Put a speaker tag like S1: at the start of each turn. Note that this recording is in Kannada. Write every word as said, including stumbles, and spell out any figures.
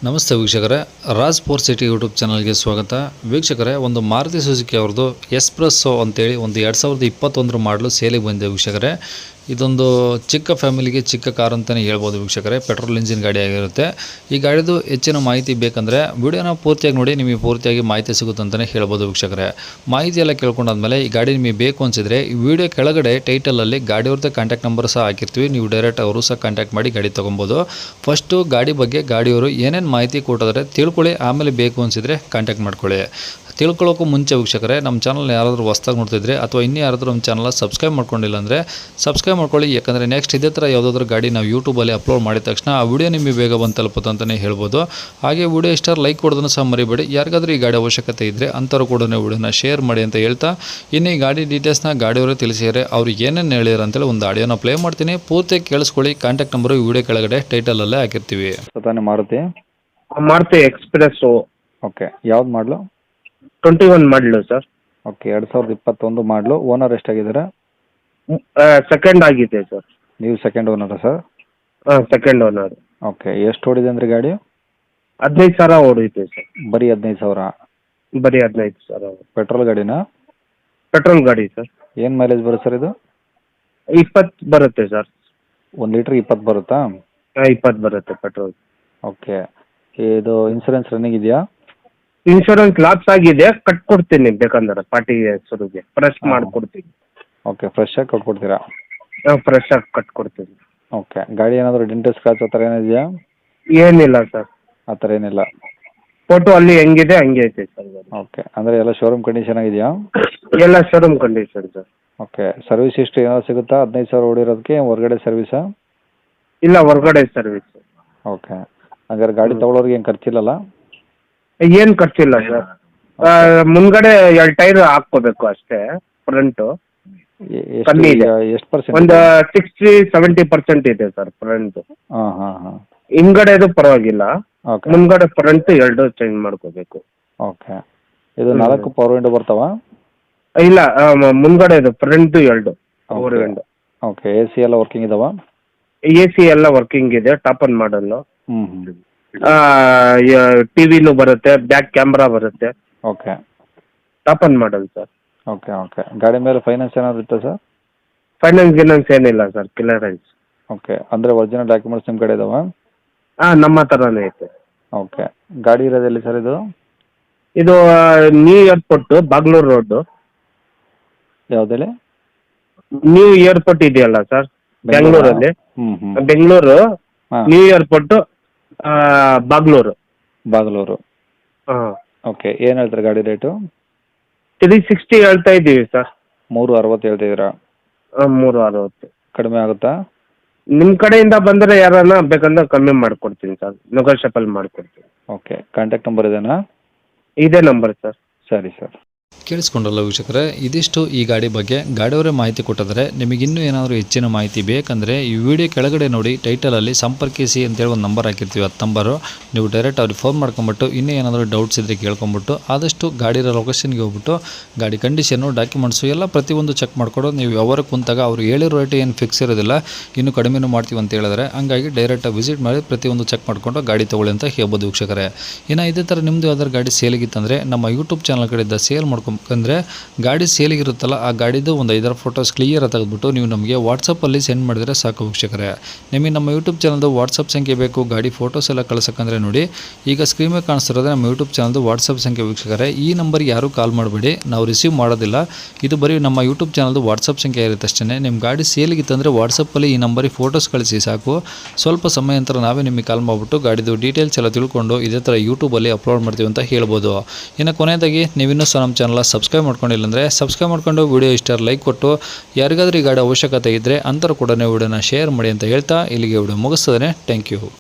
S1: ನಮಸ್ತೆ ವೀಕ್ಷಕರೇ, ರಾಜ್ ಫೋರ್ ಸಿಟಿ ಯೂಟ್ಯೂಬ್ ಚಾನಲ್ಗೆ ಸ್ವಾಗತ. ವೀಕ್ಷಕರೇ, ಒಂದು ಮಾರುತಿ ಸುಜುಕಿ ಅವ್ರದ್ದು ಎಸ್ಪ್ರೆಸ್ಸೋ ಅಂತೇಳಿ ಒಂದು ಎರಡು ಸಾವಿರದ ಇಪ್ಪತ್ತೊಂದರ ಮಾಡಲು ಸೇಲಿಗೆ ಬಂದಿದೆ ವೀಕ್ಷಕರೇ. ಇದೊಂದು ಚಿಕ್ಕ ಫ್ಯಾಮಿಲಿಗೆ ಚಿಕ್ಕ ಕಾರ್ ಅಂತಲೇ ಹೇಳ್ಬೋದು ವೀಕ್ಷಕರೇ. ಪೆಟ್ರೋಲ್ ಇಂಜಿನ್ ಗಾಡಿ ಆಗಿರುತ್ತೆ. ಈ ಗಾಡಿದು ಹೆಚ್ಚಿನ ಮಾಹಿತಿ ಬೇಕಂದರೆ ವಿಡಿಯೋನ ಪೂರ್ತಿಯಾಗಿ ನೋಡಿ, ನಿಮಗೆ ಪೂರ್ತಿಯಾಗಿ ಮಾಹಿತಿ ಸಿಗುತ್ತೆ ಅಂತಲೇ ಹೇಳ್ಬೋದು ವೀಕ್ಷಕರೇ. ಮಾಹಿತಿ ಎಲ್ಲ ಕೇಳ್ಕೊಂಡಾದ್ಮೇಲೆ ಈ ಗಾಡಿ ನಿಮಗೆ ಬೇಕು ಅನಿಸಿದರೆ ಈ ವಿಡಿಯೋ ಕೆಳಗಡೆ ಟೈಟಲಲ್ಲಿ ಗಾಡಿಯವ್ರದ್ದು ಕಾಂಟ್ಯಾಕ್ಟ್ ನಂಬರ್ ಸಹ ಹಾಕಿರ್ತೀವಿ. ನೀವು ಡೈರೆಕ್ಟ್ ಅವರು ಸಹ ಕಾಂಟ್ಯಾಕ್ಟ್ ಮಾಡಿ ಗಾಡಿ ತೊಗೊಬೋದು. ಫಸ್ಟು ಗಾಡಿ ಬಗ್ಗೆ ಗಾಡಿಯವರು ಏನೇನು ಮಾಹಿತಿ ಕೊಟ್ಟಿದ್ರೆ ತಿಳ್ಕೊಳ್ಳಿ, ಆಮೇಲೆ ಬೇಕು ಅನಿಸಿದರೆ ಕಾಂಟ್ಯಾಕ್ಟ್ ಮಾಡ್ಕೊಳ್ಳಿ. ತಿಳ್ಕೊಳ್ಳೋಕ್ಕೂ ಮುಂಚೆ ವೀಕ್ಷಕರೇ, ನಮ್ಮ ಚಾನಲ್ನ ಯಾರಾದರೂ ಹೊಸ್ದಾಗಿ ನೋಡ್ತಿದ್ರೆ ಅಥವಾ ಇನ್ನೂ ಯಾರಾದರೂ ನಮ್ಮ ಚಾನಲ್ನ ಸಬ್ಸ್ಕ್ರೈಬ್ ಮಾಡ್ಕೊಂಡಿಲ್ಲ ಅಂದರೆ ಸಬ್ಸ್ಕ್ರೈಬ್ ಮಾಡ್ಕೊಳ್ಳಿ. ಯಾಕಂದರೆ ನೆಕ್ಸ್ಟ್ ಇದೇ ಥರ ಯಾವುದಾದ್ರೂ ಗಾಡಿ ನಾವು ಯೂಟ್ಯೂಬಲ್ಲಿ ಅಪ್ಲೋಡ್ ಮಾಡಿದ ತಕ್ಷಣ ಆ ವಿಡಿಯೋ ನಿಮಗೆ ಬೇಗ ಬಂದು ತಲುಪುತ್ತೆ ಅಂತಲೇ ಹೇಳ್ಬೋದು. ಹಾಗೆ ವಿಡಿಯೋ ಇಷ್ಟ ಲೈಕ್ ಕೊಡೋದನ್ನು ಸಹ ಮರಿಬೇಡಿ. ಯಾರಿಗಾದ್ರೂ ಈ ಗಾಡಿ ಅವಶ್ಯಕತೆ ಇದ್ದರೆ ಅಂಥವ್ರು ಕೂಡ ವಿಡಿಯೋನ ಶೇರ್ ಮಾಡಿ ಅಂತ ಹೇಳ್ತಾ, ಇನ್ನು ಈ ಗಾಡಿ ಡೀಟೇಲ್ಸ್ನ ಗಾಡಿಯವರು ತಿಳಿಸಿದರೆ ಅವ್ರು ಏನೇನು ಹೇಳಿದ್ರು ಅಂತೇಳಿ ಒಂದು ಆಡಿಯೋನ ಪ್ಲೇ ಮಾಡ್ತೀನಿ. ಪೂರ್ತಿ ಕೇಳಿಸ್ಕೊಳ್ಳಿ. ಕಾಂಟ್ಯಾಕ್ಟ್ ನಂಬರು ಈ ವಿಡಿಯೋ ಕೆಳಗಡೆ ಟೈಟಲಲ್ಲೇ ಹಾಕಿರ್ತೀವಿ.
S2: ತಾನೇ ಮಾರುತಿ
S3: ಮಾರುತಿ ಎಕ್ಸ್ಪ್ರೆಸ್ಸು.
S2: ಓಕೆ, ಯಾವ್ದು ಮಾಡಲು?
S3: ಟ್ವೆಂಟಿ ಒನ್ ಮಾಡಲು ಸರ್.
S2: ಓಕೆ, ಎರಡು ಸಾವಿರದ ಇಪ್ಪತ್ತೊಂದು ಮಾಡಲು. ಓನರ್ ಎಷ್ಟಾಗಿದ್ದಾರೆ?
S3: ಸೆಕೆಂಡ್ ಆಗಿದೆ ಸರ್.
S2: ನೀವು ಸೆಕೆಂಡ್ ಓನರಾ ಸರ್?
S3: ಹಾಂ, ಸೆಕೆಂಡ್ ಓನರ್.
S2: ಓಕೆ, ಎಷ್ಟು ಓಡಿದೆ ಅಂದರೆ ಗಾಡಿ?
S3: ಹದಿನೈದು ಸಾವಿರ ಓಡಿದೆ ಸರ್.
S2: ಬರೀ ಹದಿನೈದು ಸಾವಿರ?
S3: ಬರೀ ಹದಿನೈದು ಸಾವಿರ.
S2: ಪೆಟ್ರೋಲ್ ಗಾಡಿನಾ?
S3: ಪೆಟ್ರೋಲ್ ಗಾಡಿ ಸರ್.
S2: ಏನು ಮೈಲೇಜ್ ಬರುತ್ತೆ ಸರ್ ಇದು?
S3: ಇಪ್ಪತ್ತು ಬರುತ್ತೆ ಸರ್.
S2: ಒಂದು ಲೀಟ್ರ್ ಇಪ್ಪತ್ತು ಬರುತ್ತಾ?
S3: ಹಾಂ, ಇಪ್ಪತ್ತು ಬರುತ್ತೆ ಪೆಟ್ರೋಲ್.
S2: ಓಕೆ, ಇದು ಇನ್ಸೂರೆನ್ಸ್ ರನ್ನಿಂಗ್ ಇದೆಯಾ?
S3: ಇನ್ಶೂರೆನ್ಸ್ ಲಾಪ್ಸ್ ಆಗಿದೆ, ಕಟ್ಕೊಡ್ತೀನಿ ಬೇಕಂದ್ರೆ ಪಾರ್ಟಿ ಹೆಸರಿಗೆ ಫ್ರೆಶ್ ಮಾಡಿಕೊಡ್ತೀನಿ.
S2: ಓಕೆ, ಫ್ರೆಶ್ ಆಗಿ ಕೊಟ್ಕೊಡ್ತೀರಾ?
S3: ಹಾಂ, ಫ್ರೆಶ್ ಆಗಿ ಕಟ್ಕೊಡ್ತೀನಿ.
S2: ಓಕೆ, ಗಾಡಿ ಏನಾದರೂ ಡೆಂಟ್ ಸ್ಕ್ರಾಚ್ ಆ ಥರ ಏನಿದೆಯಾ?
S3: ಏನಿಲ್ಲ ಸರ್,
S2: ಆ ಥರ ಏನಿಲ್ಲ.
S3: ಫೋಟೋ ಅಲ್ಲಿ ಹೆಂಗಿದೆ ಹಂಗೆ ಐತೆ ಸರ್.
S2: ಓಕೆ, ಅಂದರೆ ಎಲ್ಲ ಶೋರೂಮ್ ಕಂಡೀಷನ್ ಆಗಿದೆಯಾ?
S3: ಎಲ್ಲ showroom condition sir.
S2: Okay, service history ಏನಾದ್ರು ಸಿಗುತ್ತಾ? ಹದಿನೈದು ಸಾವಿರ ಓಡಿರೋದಕ್ಕೆ ಹೊರಗಡೆ ಸರ್ವಿಸಾ?
S3: ಇಲ್ಲ, ಹೊರಗಡೆ ಸರ್ವಿಸ್.
S2: ಓಕೆ, ಹಾಗಾದ್ರೆ ಗಾಡಿ ತೊಗೊಳೋರಿಗೆ ಏನು ಖರ್ಚಿಲ್ಲಲ್ಲ?
S3: ಏನು ಖರ್ಚಿಲ್ಲ ಸರ್. ಮುಂದ್ಗಡೆ ಎರಡು ಟೈರ್ ಹಾಕ್ಕೋಬೇಕು ಅಷ್ಟೇ. ಫ್ರಂಟು ಕಮ್ಮಿ ಇದೆ,
S2: ಎಷ್ಟು ಪರ್ಸೆಂಟ್?
S3: ಒಂದು ಸಿಕ್ಸ್ಟಿ ಸೆವೆಂಟಿ ಪರ್ಸೆಂಟ್ ಇದೆ ಸರ್ ಫ್ರಂಟ್.
S2: ಹಾಂ ಹಾಂ ಹಾಂ.
S3: ಹಿಂದ್ಗಡೆದು ಪರವಾಗಿಲ್ಲ,
S2: ಓಕೆ.
S3: ಮುಂದ್ಗಡೆ ಫ್ರಂಟ್ ಎರಡು ಚೇಂಜ್ ಮಾಡ್ಕೋಬೇಕು.
S2: ಓಕೆ, ಇದು ನಾಲ್ಕು ಪವರ್ ವಿಂಡೋ ಬರ್ತಾವ?
S3: ಇಲ್ಲ, ಮುಂದ್ಗಡೆದು ಫ್ರಂಟ್ ಎರಡು power window.
S2: Okay, A C ಎಲ್ಲ ವರ್ಕಿಂಗ್ ಇದಾವ?
S3: ಎ ಸಿ ಎಲ್ಲ ವರ್ಕಿಂಗ್ ಇದೆ. Top end model.
S2: ಹ್ಞೂ ಹ್ಞೂ.
S3: ಟಿವಿನೂ ಬರುತ್ತೆ, ಬ್ಯಾಕ್ ಕ್ಯಾಮ್ರಾ ಬರುತ್ತೆ.
S2: Okay,
S3: top end model sir.
S2: Okay okay. ಗಾಡಿ ಮೇಲೆ ಫೈನಾನ್ಸ್ ಏನಾದ್ರು ಇತ್ತಾ ಸರ್?
S3: ಫೈನಾನ್ಸ್ ಗಿನಾನ್ಸ್ ಏನಿಲ್ಲ ಸರ್, ಕ್ಲಿಯರೆನ್ಸ್.
S2: ಓಕೆ, ಅಂದರೆ ಒರಿಜಿನಲ್ ಡಾಕ್ಯುಮೆಂಟ್ಸ್ ನಿಮ್ಮ ಕಡೆ ಇದಾವ?
S3: ಹಾಂ, ನಮ್ಮ ಥರನೇ ಐತೆ.
S2: ಓಕೆ, ಗಾಡಿ ಇರೋದು ಎಲ್ಲಿ ಸರ್ ಇದು?
S3: ಇದು ನ್ಯೂ ಏರ್ಪೋರ್ಟ್, ಬಾಗ್ಲೂರು ರೋಡು.
S2: ಯಾವುದಲ್ಲಿ?
S3: ನ್ಯೂ ಏರ್ಪೋರ್ಟ್ ಇದೆಯಲ್ಲ ಸರ್, ಬೆಂಗಳೂರಲ್ಲಿ.
S2: ಹ್ಞೂ ಹ್ಞೂ.
S3: ಬೆಂಗಳೂರು
S2: ಹಾಂ,
S3: ನ್ಯೂ ಏರ್ಪೋರ್ಟ್, ಬಾಗ್ಲೂರು.
S2: ಬಾಗಲೂರು.
S3: ಹಾಂ.
S2: ಓಕೆ, ಏನು ಹೇಳ್ತಾರೆ ಗಾಡಿ ರೇಟು?
S3: ತ್ರೀ ಸಿಕ್ಸ್ಟಿ ಹೇಳ್ತಾ ಇದ್ದೀವಿ ಸರ್.
S2: ಮೂರು ಅರವತ್ತು ಹೇಳ್ತಿದ್ದೀರಾ?
S3: ಮೂರು ಅರವತ್ತು.
S2: ಕಡಿಮೆ ಆಗುತ್ತಾ?
S3: ನಿಮ್ಮ ಕಡೆಯಿಂದ ಬಂದರೆ ಯಾರನ್ನ ಬೇಕಂದ್ರೆ ಕಮ್ಮಿ ಮಾಡಿಕೊಡ್ತೀನಿ ಸರ್, ನೆಗೋಷಿಯಬಲ್ ಮಾಡಿಕೊಡ್ತೀನಿ.
S2: ಓಕೆ, ಕಾಂಟ್ಯಾಕ್ಟ್ ನಂಬರ್ ಇದೇನಾ?
S3: ಇದೇ ನಂಬರ್ ಸರ್.
S2: ಸರಿ ಸರ್.
S1: ಕೇಳಿಸ್ಕೊಂಡ್ರಲ್ಲ ವೀಕ್ಷಕರೇ, ಇದಿಷ್ಟು ಈ ಗಾಡಿ ಬಗ್ಗೆ ಗಾಡಿಯವರೇ ಮಾಹಿತಿ ಕೊಟ್ಟಿದ್ದಾರೆ. ನಿಮಗಿನ್ನೂ ಏನಾದರೂ ಹೆಚ್ಚಿನ ಮಾಹಿತಿ ಬೇಕಂದರೆ ಈ ವಿಡಿಯೋ ಕೆಳಗಡೆ ನೋಡಿ ಟೈಟಲಲ್ಲಿ ಸಂಪರ್ಕಿಸಿ ಅಂತೇಳಿ ಒಂದು ನಂಬರ್ ಹಾಕಿರ್ತೀವಿ. ಹತ್ತು ನಂಬರು ನೀವು ಡೈರೆಕ್ಟ್ ಅವ್ರಿಗೆ ಫೋನ್ ಮಾಡ್ಕೊಂಬಿಟ್ಟು ಇನ್ನೂ ಏನಾದರೂ ಡೌಟ್ಸ್ ಇದ್ದರೆ ಕೇಳ್ಕೊಂಬಿಟ್ಟು ಆದಷ್ಟು ಗಾಡಿರೋ ಲೊಕೇಶನ್ಗೆ ಹೋಗ್ಬಿಟ್ಟು ಗಾಡಿ ಕಂಡೀಷನ್ನು ಡಾಕ್ಯುಮೆಂಟ್ಸು ಎಲ್ಲ ಪ್ರತಿಯೊಂದು ಚೆಕ್ ಮಾಡಿಕೊಡು. ನೀವು ಯಾವಾಗ ಕುಂತಾಗ ಅವ್ರು ಹೇಳಿರೋ ರೇಟ್ ಏನು ಫಿಕ್ಸ್ ಇರೋದಿಲ್ಲ, ಇನ್ನೂ ಕಡಿಮೆನೂ ಮಾಡ್ತೀವಿ ಅಂತ ಹೇಳಿದ್ರೆ. ಹಂಗಾಗಿ ಡೈರೆಕ್ಟಾಗಿ ವಿಸಿಟ್ ಮಾಡಿ ಪ್ರತಿಯೊಂದು ಚೆಕ್ ಮಾಡಿಕೊಂಡು ಗಾಡಿ ತೊಗೊಳ್ಳಿ ಅಂತ ಹೇಳ್ಬೋದು ವೀಕ್ಷಕರೇ. ಇನ್ನು ಇದೇ ಥರ ನಿಮ್ಮದು ಯಾವ್ದಾದ್ರು ಗಾಡಿ ಸೇಲಿಗಿತ್ತಂದರೆ ನಮ್ಮ ಯೂಟ್ಯೂಬ್ ಚಾನಲ್ ಕಡೆಯಿಂದ ಸೇಲ್ ಮಾಡ್ಕೊಂಡು ಅಂದರೆ ಗಾಡಿ ಸೇಲಿಗಿರುತ್ತಲ್ಲ ಆ ಗಾಡಿದು ಒಂದು ಐದಾರು ಫೋಟೋಸ್ ಕ್ಲಿಯರ್ ತೆಗೆದುಬಿಟ್ಟು ನೀವು ನಮಗೆ ವಾಟ್ಸಪ್ಪಲ್ಲಿ ಸೆಂಡ್ ಮಾಡಿದರೆ ಸಾಕು ವೀಕ್ಷಕರೇ. ನಿಮಗೆ ನಮ್ಮ ಯೂಟ್ಯೂಬ್ ಚಾನಲ್ದು ವಾಟ್ಸಪ್ ಸಂಖ್ಯೆ ಬೇಕು, ಗಾಡಿ ಫೋಟೋಸ್ ಎಲ್ಲ ಕಳ್ಸೋಕ್ಕಂದ್ರೆ ನೋಡಿ ಈಗ ಸ್ಕ್ರೀನ್ ಮೇಲೆ ಕಾಣಿಸ್ತಿರೋದು ನಮ್ಮ ಯೂಟ್ಯೂಬ್ ಚಾನಲ್ದು ವಾಟ್ಸಪ್ ಸಂಖ್ಯೆ ವೀಕ್ಷಕರೇ. ಈ ನಂಬರ್ಗೆ ಯಾರೂ ಕಾಲ್ ಮಾಡಬೇಡಿ, ನಾವು ರಿಸೀವ್ ಮಾಡೋದಿಲ್ಲ. ಇದು ಬರೀ ನಮ್ಮ ಯೂಟ್ಯೂಬ್ ಚಾನಲ್ದು ವಾಟ್ಸಪ್ ಸಂಖ್ಯೆ ಇರುತ್ತೆ ಅಷ್ಟೇ. ನಿಮ್ಮ ಗಾಡಿ ಸೇಲಿಗಿತ್ತಂದರೆ ವಾಟ್ಸಪ್ಪಲ್ಲಿ ಈ ನಂಬರಿಗೆ ಫೋಟೋಸ್ ಕಳಿಸಿ ಸಾಕು. ಸ್ವಲ್ಪ ಸಮಯ ನಂತರ ನಾವೇ ನಿಮಗೆ ಕಾಲ್ ಮಾಡಿಬಿಟ್ಟು ಗಾಡಿದು ಡೀಟೇಲ್ಸ್ ಎಲ್ಲ ತಿಳ್ಕೊಂಡು ಇದೇ ಥರ ಯೂಟ್ಯೂಬಲ್ಲಿ ಅಪ್ಲೋಡ್ ಮಾಡ್ತೀವಿ ಅಂತ ಹೇಳ್ಬೋದು. ಇನ್ನು ಕೊನೆಯದಾಗಿ ನೀವಿನ್ನೂ ಸಹ ನಮ್ಮ ಚಾನಲ್ ಸಬ್ಸ್ಕ್ರೈಬ್ ಮಾಡ್ಕೊಂಡಿಲ್ಲ ಅಂದರೆ ಸಬ್ಸ್ಕ್ರೈಬ್ ಮಾಡ್ಕೊಂಡು ವಿಡಿಯೋ ಇಷ್ಟ ಲೈಕ್ ಕೊಟ್ಟು ಯಾರಿಗಾದ್ರೂ ಈ ಗಾಡಿ ಅವಶ್ಯಕತೆ ಇದ್ದರೆ ಅಂಥವ್ರು ಕೂಡ ವಿಡಿಯೋನ ಶೇರ್ ಮಾಡಿ ಅಂತ ಹೇಳ್ತಾ ಇಲ್ಲಿಗೆ ವಿಡಿಯೋ ಮುಗಿಸ್ತದೆ. Thank you.